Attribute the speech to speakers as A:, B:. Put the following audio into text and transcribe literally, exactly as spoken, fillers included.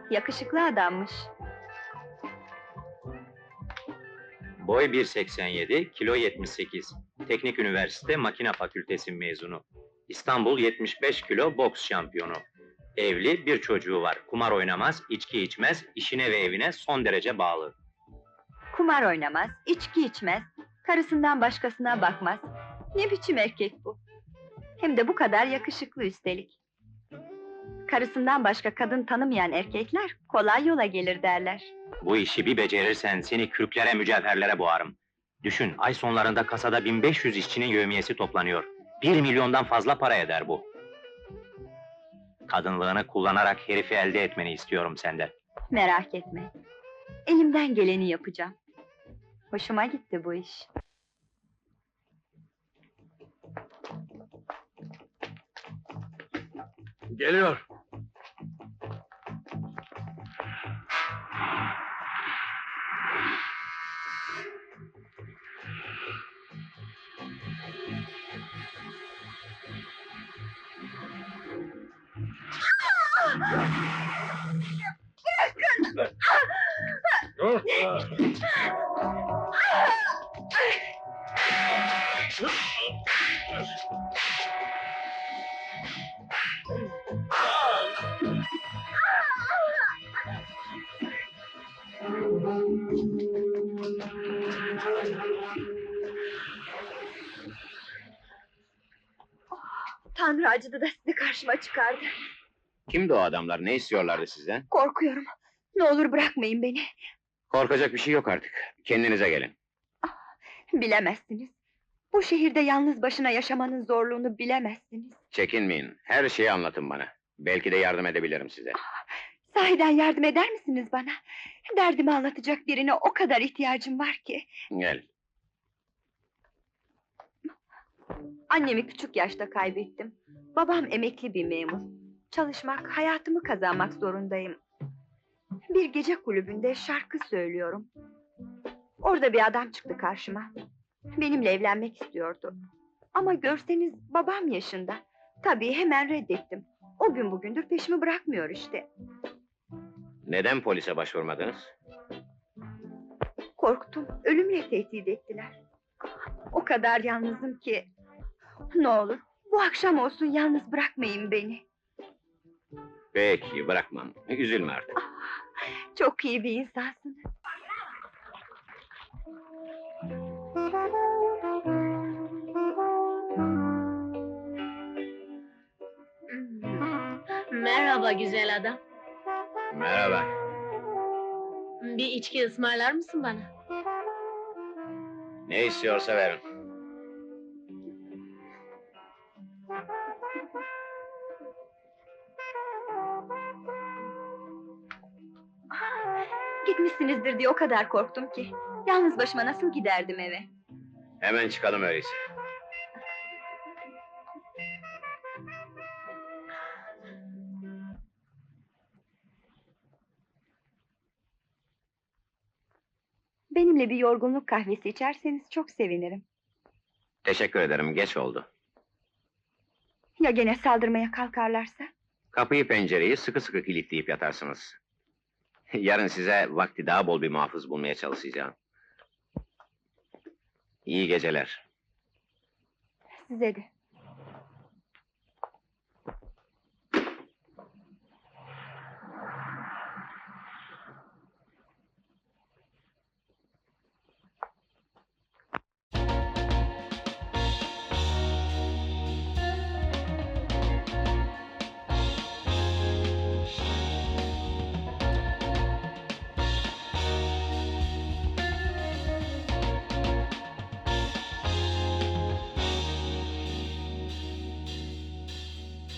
A: Yakışıklı adammış.
B: Boy bir seksen yedi, kilo yetmiş sekiz. Teknik Üniversite Makine Fakültesi mezunu. İstanbul yetmiş beş kilo boks şampiyonu. Evli, bir çocuğu var. Kumar oynamaz, içki içmez, işine ve evine son derece bağlı.
A: Kumar oynamaz, içki içmez, karısından başkasına bakmaz. Ne biçim erkek bu? Hem de bu kadar yakışıklı üstelik. Karısından başka kadın tanımayan erkekler kolay yola gelir derler.
B: Bu işi bir becerirsen seni kürklere, mücevherlere boğarım. Düşün, ay sonlarında kasada bin beş yüz işçinin yevmiyesi toplanıyor. Bir milyondan fazla para eder bu. Kadınlığını kullanarak herifi elde etmeni istiyorum senden.
A: Merak etme. Elimden geleni yapacağım. Hoşuma gitti bu iş.
C: Geliyor. Dur!
A: Tanrı acıdı da sizi karşıma çıkardı.
B: Kimdi o adamlar, ne istiyorlardı sizden?
A: Korkuyorum. Ne olur bırakmayın beni.
B: Korkacak bir şey yok artık. Kendinize gelin.
A: Bilemezsiniz. Bu şehirde yalnız başına yaşamanın zorluğunu bilemezsiniz.
B: Çekinmeyin, her şeyi anlatın bana. Belki de yardım edebilirim size.
A: Sahiden yardım eder misiniz bana? Derdimi anlatacak birine o kadar ihtiyacım var ki.
B: Gel.
A: Annemi küçük yaşta kaybettim. Babam emekli bir memur. Çalışmak, hayatımı kazanmak zorundayım. Bir gece kulübünde şarkı söylüyorum. Orada bir adam çıktı karşıma. Benimle evlenmek istiyordu. Ama görseniz babam yaşında. Tabii hemen reddettim. O gün bugündür peşimi bırakmıyor işte.
B: Neden polise başvurmadınız?
A: Korktum, ölümle tehdit ettiler. O kadar yalnızım ki... Ne olur, bu akşam olsun yalnız bırakmayın beni.
B: Peki, bırakmam. Üzülme artık.
A: Çok iyi bir insansınız.
D: Merhaba güzel adam.
B: Merhaba.
D: Bir içki ısmarlar mısın bana?
B: Ne istiyorsa verin.
A: Gitmişsinizdir diye o kadar korktum ki. Yalnız başıma nasıl giderdim eve?
B: Hemen çıkalım öyleyse.
A: Benimle bir yorgunluk kahvesi içerseniz çok sevinirim.
B: Teşekkür ederim, geç oldu.
A: Ya gene saldırmaya kalkarlarsa?
B: Kapıyı pencereyi sıkı sıkı kilitleyip yatarsınız. Yarın size vakti daha bol bir muhafız bulmaya çalışacağım. İyi geceler.
A: Size de.